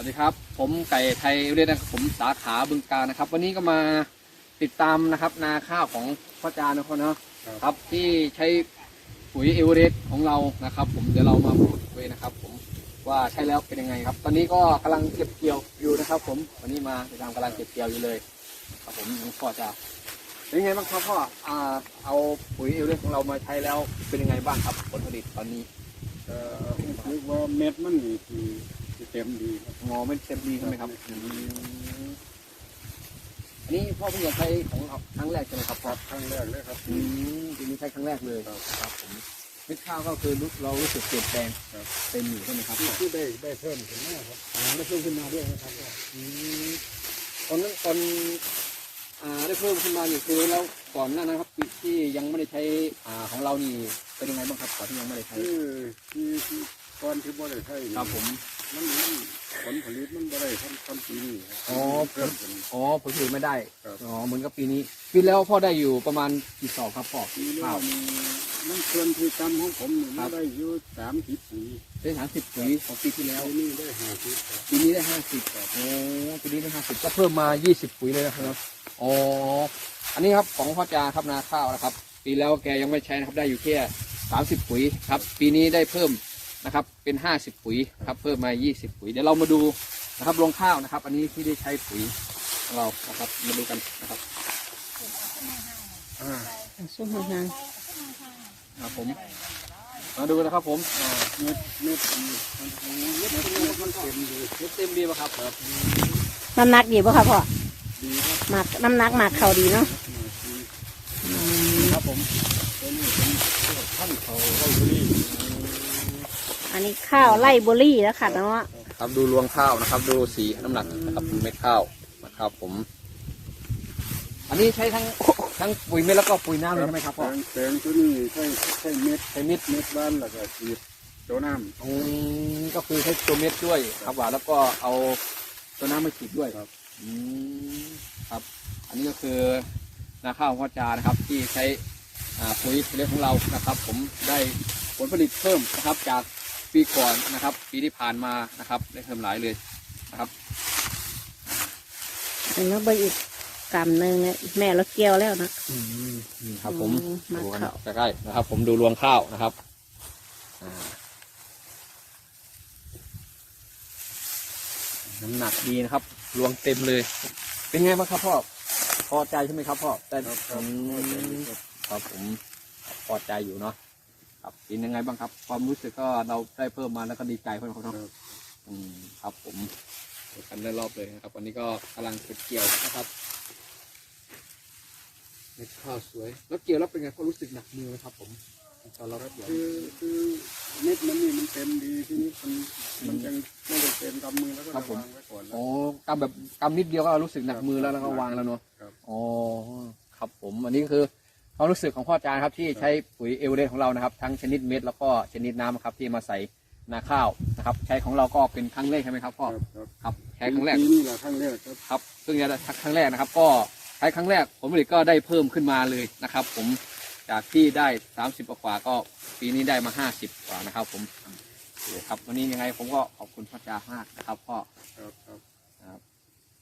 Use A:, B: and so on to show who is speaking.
A: วัสดีครับผมไก่ไทยเรียนนะครับผมสาขาบึงกาฬนะครับวันนี้ก็มาติดตามนะครับนาข้าวของพ่อจานะครับเนาะครับที่ใช้ปุ๋ยเอเวอเรสต์ของเรานะครับผมเดี๋ยวเรามาพูดคุยนะครับผมว่าใช้แล้วเป็นยังไงครับตอนนี้ก็กำลังเก็บเกี่ยวอยู่นะครับผมวันนี้มาติดตามกำลังเก็บเกี่ยวอยู่เลยครับผมพ่อจะเป็นยังไงบ้างครับพ่อเอาปุ๋ยเอเวอเรสต์ของเรามาใช้แล้วเป็นยังไงบ้างครับผลผลิตตอนนี้
B: คือว่าเม็ดมันนี่ที่เต็มดีครับ
A: งอไม่เต็มดีใช่ไหมครับอันนี้พ่อเพิ่งจะใช้ของครั้งแรกใช่ไหมครับพ่อ
B: ครั้งแรกเลยครับ
A: ทีนี้ใช้ครั้งแรกเลยครับผมเม็ดข้าวก็คือเรารู้สึกเปลี่ยนแปลงเต็มอยู่ใช่ไหมครับ
B: ที่ได้เพิ่มขึ้นมาครับได้เพิ่มขึ้นมาด้วยนะครับ
A: ตอนนั้นได้เพิ่มขึ้นมาอยู่คือแล้วก่อนหน้านั้นครับที่ยังไม่ได้ใช้ของเรานี่เป็นยังไงบ้างครับก่อนที่ยังไม่ได้ใช้
B: ที่ก่อนที่บ่ได้ใช้
A: ครับผม
B: มันผลผลิตมันบ่ได้ทำปีนี้
A: เพิ่มผลผลิตไม่ได้เหมือนกับปีนี้ปีแล้วพ่อได้อยู่ประมาณกี่สอบครับพ่อ
B: ปีแล้วมันเกินที่จำของผมมันได้อยู่30 ปุ๋ย
A: ได้30 ปุ๋ยของปีที่แล้ว
B: นี่ได้50
A: ปีนี้ได้50ปีนี้ได้50ก็เพิ่มมา20 ปุ๋ยเลยนะครับอันนี้ครับของพ่อจาครับนาข้าวนะครับปีแล้วแกยังไม่ใช้นะครับได้อยู่แค่30 ปุ๋ยครับปีนี้ได้เพิ่มนะครับเป็น50 ปุ๋ยครับเพิ่มมา20 ปุ๋ยเดี๋ยวเรามาดูนะครับรวงข้าวนะครับอันนี้ที่ได้ใช้ปุ๋ยของเรานะครับมาดูกันนะครับ
C: ส้มหาง
A: ครับผมมาดูนะครับผม
B: เม็ดมันเต็มดี
A: ป่ะครับ
C: น้ำหนักดีป่ะครับพ่อ
B: ดีครับ
C: หมักน้ำหนักหมักเข่าดีเนาะ
A: ครับผม
B: ท่านเขาไร่บุรี
C: อันนี้ข้าวไร่บุรีแล้วค่ะเนาะ
A: ครับดูรวงข้าวนะครับดูสีน้ำหนักนะครับเม็ดข้าวนะครับผมอันนี้ใช้ทั้งปุ๋ยเม็ดแล้วก็ปุ๋ยน้ำเลยใช่ไหมครับพ่อ
B: แปลงตัวนี้ใช้เม็ดบ้านแล้วก็ฉีดตัวน้
A: ำก็คือใช้ตัวเม็ดด้วยครับว่าแล้วก็เอาตัวน้ำมาฉีดด้วยครับครับอันนี้ก็คือนาข้าวพ่อจานะครับที่ใช้ปุ๋ยเล็กของเรานะครับผมได้ผลผลิตเพิ่มนะครับจากปีก่อนนะครับปีที่ผ่านมานะครับได้เพิ่มหลายเลยนะครับ
C: อันนี้ใบอีกกำหนึ่งเนี่ยแม่เราเกี่ยวแล้วนะครับ
A: ผมดูกันใกล้ๆนะครับผมดูรวงข้าวนะครับน้ำหนักดีนะครับรวงเต็มเลยเป็นไงบ้างครับพ่อพอใจใช่ไหมครับพ่อแต่ครับผมพอใจอยู่เนาะครับเป็นยังไงบ้างครับความรู้สึกก็เราได้เพิ่มมาแล้วก็ดีใจเพิ่มเขาเนาะครับผมกันได้รอบเลยนะครับวันนี้ก็กำลังเก็บเกี่ยวนะครับเม็ดข้าวสวยแล้วเกี่ยวแล้วเป็นไงเขารู้สึกหนักมือไหมครับผมตอนเรารับเกี่ยว
B: คือเม็ดมันนี่มันเต็มดีทีนี้มันยังไม่ได้เต็มกำมือแล้วก็วางไว้ก่อน
A: กำแบบกำนิดเดียวก็รู้สึกหนักมือแล้วก็วางแล้วเนาะครับผมอันนี้คือความรู้สึกของพ่อจานครับที่ใช้ปุ๋ยเอเวอเรสต์ของเรานะครับทั้งชนิดเม็ดแล้วก็ชนิดน้ำครับที่มาใส่นาข้าวนะครับใช้ของเราก็เป็นครั้งแรกใช่ไหมครับพ่อครับใช้ครั้งแรก
B: นี่แหละครั้งแรก
A: ครับเพิ่งจะครั้งแรกนะครับก็ใช้ครั้งแรกผลผลิตก็ได้เพิ่มขึ้นมาเลยนะครับผมจากที่ได้30 กว่าก็ปีนี้ได้มา50 กว่านะครับผมครับวันนี้ยังไงผมก็ขอบคุณพ่อจามากนะครับพ่อ
B: ครับ